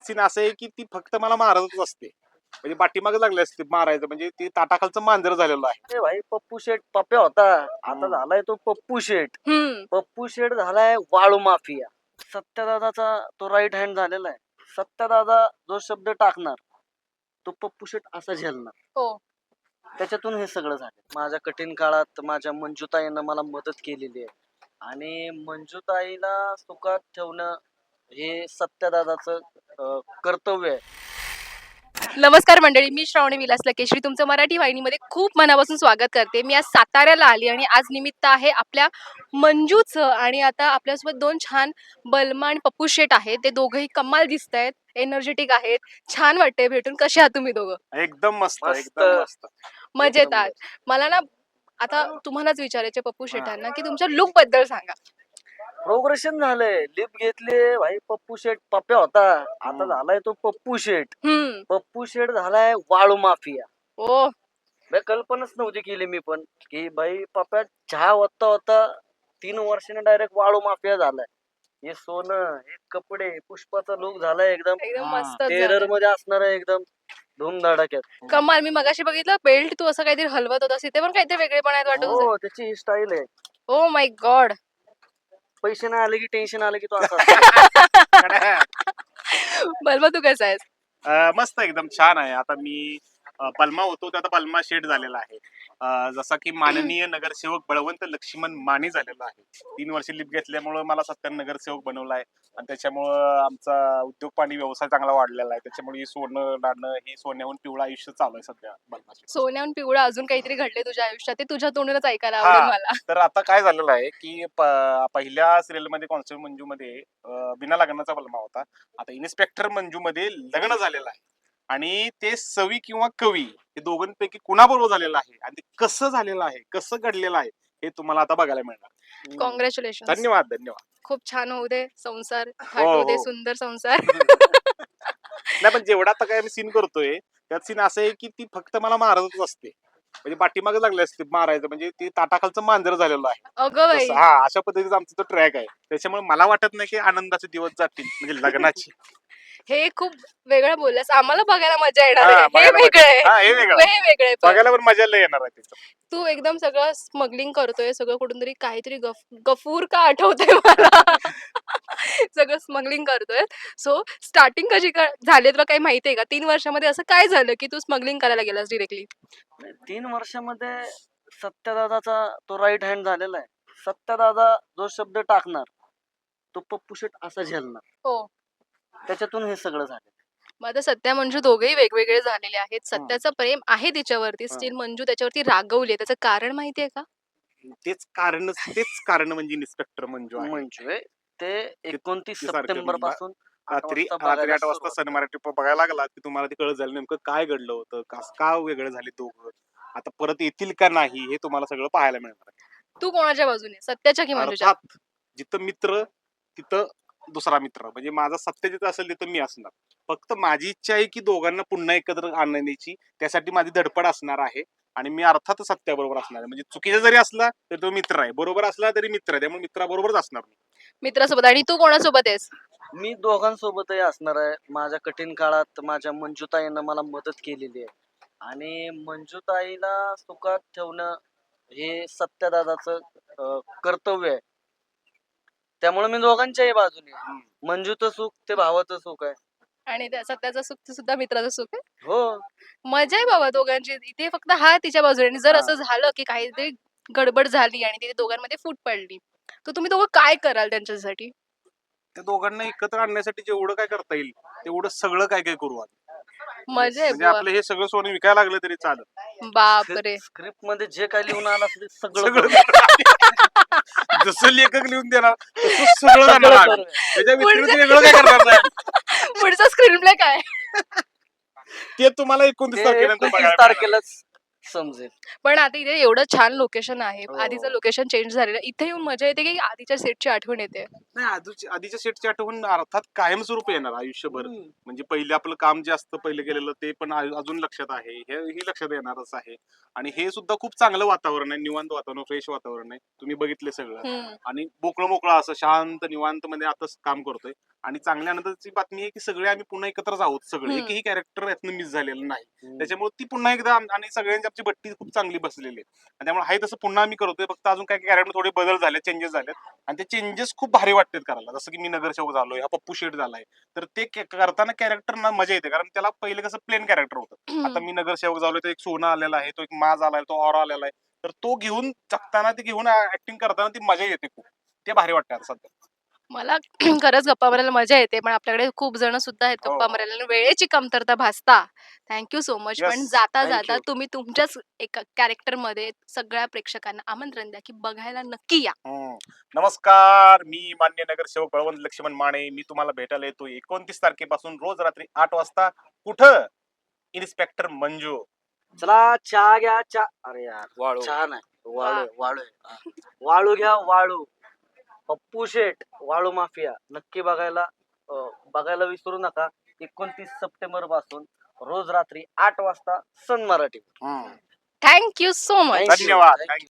Scene असं आहे की ती फक्त मला मारतच असते. म्हणजे पाठीमागे लागले असते मारायचं, म्हणजे ती ताटाखालचं मांजर झालेलं आहे. अरे भाई पप्पू शेठ पप्या होता, आता हम्म. झालाय तो पप्पू शेठ. हम्म. पप्पू शेठ झालाय वाळू माफिया. सत्यदादाचा तो राईट हँड झालेला आहे. सत्यदादा जो शब्द टाकणार तो पप्पू शेठ असा झेलणार. हो. त्याच्यातून हे सगळं झालं. माझ्या कठीण काळात माझ्या मंजुताईनं मला मदत केलेली आहे आणि मंजुताईला सुखात ठेवणं हे सत्यदादाचं कर्तव्य आहे. नमस्कार मंडळी, मी श्रावणी विलास लकेश्री तुमचं मराठी वाहिनीमध्ये खूप मनापासून स्वागत करते. मी आज साताऱ्याला आली आणि आज निमित्त आहे आपल्या मंजूचं. आणि आता आपल्यासोबत दोन छान बलमा आणि पप्पू शेट आहेत. ते दोघंही कमाल दिसत आहेत, एनर्जेटिक आहेत, छान वाटतंय भेटून. कसे आहात तुम्ही दोघं? एकदम मस्त, मस्त. एकदम मस्त. मजेत एकदम आहात? मला ना आता तुम्हालाच विचारायचे पप्पू शेटांना की तुमच्या लुक बद्दल सांगा. प्रोग्रेशन झालंय. लिप घेतले भाई. पप्पू शेठ पप्या होता, आता हम्म. झालाय तो पप्पू शेठ. हम्म. पप्पू शेठ झालाय वाळू माफिया. ओ. कल्पनाच नव्हती केली मी पण की बाई पप्या चहा होता होता 3 वर्षाने डायरेक्ट वाळू माफिया झालाय. हे सोनं, हे कपडे, पुष्पाचा लुक झालाय एकदम एकदम हा. मस्त टेरर मध्ये असणार आहे, एकदम धूमधडाक्यात. कमाल. मी मगाशी बघितलं बेल्ट तू असं काहीतरी हलवत होतास, इथे पण काहीतरी वेगळेपण आहेत वाटत. हो, त्याची ही स्टाईल आहे. Oh my god. पैसे नाही आले की टेन्शन आलं की तो असा बलमा तू कसा आहेस? मस्त, एकदम छान आहे. आता मी बलमा होतो ते आता बलमा शेठ झालेला आहे. जसा की माननीय नगरसेवक बळवंत लक्ष्मण माने झालेला आहे. 3 वर्ष लिप घेतल्यामुळं मला सत्तर नगरसेवक बनवला आहे आणि त्याच्यामुळं आमचा उद्योग पाणी व्यवसाय चांगला वाढलेला आहे. त्याच्यामुळे हे सोनं नाणं, हे सोन्याहून पिवळं आयुष्य चालू आहे सध्या बलमा शेठ. सोन्याहून पिवळा अजून काहीतरी घडले तुझ्या आयुष्यात, ते तुझ्या तोंडूनच ऐकायला आवडेल हा, मला. तर आता काय झालेलं आहे की पहिल्या सिरियल मध्ये कॉन्स्टेबल मंजू मध्ये बिना लग्नाचा बलमा होता. आता इन्स्पेक्टर मंजू मध्ये लग्न झालेलं आहे आणि ते सवी किंवा कवी हे दोघांपैकी कुणाबरोबर झालेलं आहे आणि ते कसं झालेलं आहे, कसं घडलेलं आहे, हे तुम्हाला आता बघायला मिळणार. कॉंग्रॅच्युलेशन. धन्यवाद, धन्यवाद. खूप छान होऊ दे संसार, हो, थाटू दे हो. सुंदर संसार. नाही, पण जेवढा आता काय मी सीन करतोय त्यात सीन असं आहे की ती फक्त मला मारतच असते. म्हणजे पाठीमागे लागले असते मारायचं, म्हणजे ती ताटाखालचं मांजर झालेलं आहे. अगं बाई. हा, अशा पद्धतीचा आमचा तो ट्रॅक आहे. त्याच्यामुळे मला वाटत नाही की आनंदाचे दिवस जातील, म्हणजे लग्नाची. हे खूप वेगळं बोललास, आम्हाला बघायला मजा येणार हा, आहे. हे बघायला वेगळं आहे. हा, हे वेगळं. हे वेगळं आहे. पण बघायला पण मजा लय येणार आहे त्याचं. तू एकदम सगळं स्मगलिंग करतोय, सगळं कुठून तरी काहीतरी गफूर का आठवतंय मला. सगळं स्मगलिंग करतोय. सो स्टार्टिंग कशी झाली तुला काही माहितीये का? 3 वर्षामध्ये असं काय झालं की तू स्मगलिंग करायला गेलास डिरेक्टली? 3 वर्षामध्ये सत्यदादाचा तो राईट हँड झालेला आहे. सत्यदादा जो शब्द टाकणार तो पप्पू शेठ असा झेलणार. हो. त्याच्यातून हे सगळं झालं. मग आता सत्या मंजू दोघेही वेगवेगळे झालेले आहेत. सत्याचं प्रेम आहे तिच्यावरती, हा. स्टील मंजू त्याच्यावरती रागवली. त्याचं कारण माहितीये का? तेच कारण म्हणजे इन्स्पेक्टर मंजू आहे. मंजू आहे ते 29 सारखं सप्टेंबर म्हणजे पासून रात्री 8 वाजता सन मराठी बघायला लागला की तुम्हाला ते कळत झालं नेमकं काय घडलं होतं, का वेगळं झाले दोघं, आता परत येतील का नाही, हे तुम्हाला सगळं पाहायला मिळणार आहे. तू कोणाच्या बाजूने, सत्याच्या की मंजूच्या? अर्थात जिथं मित्र तिथं दुसरा मित्र, म्हणजे माझा सत्य जिथं असेल तिथं मी असणार. फक्त माझी इच्छा आहे की दोघांना पुन्हा एकत्र आणण्याची, त्यासाठी माझी धडपड असणार आहे आणि मी अर्थात सत्याबरोबर असणार आहे. म्हणजे चुकीचा जरी असला तरी तो मित्र आहे, बरोबर असला तरी मित्र आहे, त्यामुळे मित्राबरोबरच असणार मी. मित्रासोबत. आणि तू कोणासोबत आहेस? मी दोघांसोबतही असणार आहे. माझ्या कठीण काळात माझ्या मंजुताईनं मला मदत केलेली आहे आणि मंजुताईला सुखात ठेवणं हे सत्यदादाचं कर्तव्य आहे. त्यामुळे मी दोघांच्याही बाजूने आहे. मंजूचं सुख ते भावाचं सुख आहे. आणि सत्याचं सुख सुद्धा मित्राचं सुख आहे. हो, मजा आहे बाबा दोघांची. इथे फक्त हा तिच्या बाजूने. आणि जर हा. असं झालं की काहीतरी गडबड झाली आणि तिथे दोघांमध्ये फूट पडली, तर तुम्ही दोघं काय कराल त्यांच्यासाठी? त्या दोघांना एकत्र आणण्यासाठी जेवढं काय करता येईल तेवढं सगळं काय काय करू आम्ही. मजा आहे म्हणजे बुवा. आपलं हे सगळं सोनं विकायला लागलं तरी चालेल. बापरे. स्क्रिप्ट मध्ये जे काही लिहून आलं असेल ते सगळं सगळं करू. जसं लेखक लिहून देणार तसं सगळं जाणार सगळं आम्ही. करू. त्याच्या व्यतिरिक्त वेगळं काय करणार नाही. पुढचा स्क्रीन प्ले काय? ते तुम्हाला 29 ते तारखेनंतर 29 बघायला मिळणार. तारखेलाच समजेल. पण आता इथे एवढं छान लोकेशन आहे. हो. आधीचं लोकेशन चेंज झालेलं आहे. इथे येऊन मजा येते की आधीच्या सेटची आठवण येते? नाही, आधीच्या सेटची आठवण अर्थात कायमस्वरूपी येणार आयुष्यभर. हम्म. म्हणजे पहिले आपलं काम जे असतं पहिले केलेलं ते पण अजून लक्षात आहे. हेही लक्षात येणारच आहे. आणि हे सुद्धा खूप चांगलं वातावरण आहे, निवांत वातावरण, फ्रेश वातावरण आहे. तुम्ही बघितले सगळं. हम्म. आणि मोकळं असं शांत निवांत मध्ये आता काम करतोय. आणि चांगल्या आनंदाची बातमी आहे की सगळे आम्ही पुन्हा एकत्रच आहोत. सगळे हम्म. एकही कॅरेक्टर यातनं मिस झालेलं नाही. हम्म. त्याच्यामुळे ती पुन्हा एकदा आणि सगळ्यांची आमची बट्टी खूप चांगली बसलेली आहे. आणि त्यामुळे आहे तसं पुन्हा आम्ही करतोय. फक्त अजून काही कॅरेक्टर थोडे बदल झाले, चेंजेस झालेत. आणि ते चेंजेस खूप भारी वाटतात करायला. जसं की मी नगरसेवक झालोय, हा पप्पू शेठ झालाय. तर ते करताना कॅरेक्टर ना मजा येते, कारण त्याला पहिले कसं प्लेन कॅरेक्टर होतं. आता मी नगरसेवक झालोय, तो एक सोना आलेला आहे, तो एक माज आलाय, तो ऑरा आलेला आहे. तर तो घेऊन जगताना, ते घेऊन ऍक्टिंग करताना ती मजा येते खूप. ते भारी वाटतं आता सध्या. मला खरंच गप्पा मारायला मजा येते. पण आपल्याकडे खूप जण सुद्धा आहेत हो, गप्पा हो. मारायला आणि वेळेची कमतरता भासता. Thank so much. पण येस, जाता-जाता थँक तुम्ही तुमच्याच एका कॅरेक्टरमध्ये सगळ्या प्रेक्षकांना आमंत्रण द्या, की बघायला नक्की या. नमस्कार, मी मान्य नगरसेवक बळवंत लक्ष्मण माने. मी तुम्हाला भेटायला येतो 29 तारखेपासून रोज रात्री 8 वाजता. कुठं? इन्स्पेक्टर मंजू. चला चहा घ्या चहा. अरे यार वाळू. चहा नाही, वाळू वा. आहे, वाळू आहे. वाळू घ्या वाळू. पप्पू शेठ वाळू माफिया नक्की बघायला विसरू नका. 29 सप्टेंबर पासून रोज रात्री 8 वाजता Sun Marathi. Hmm. Thank so much. Thank you. धन्यवाद. Thank you.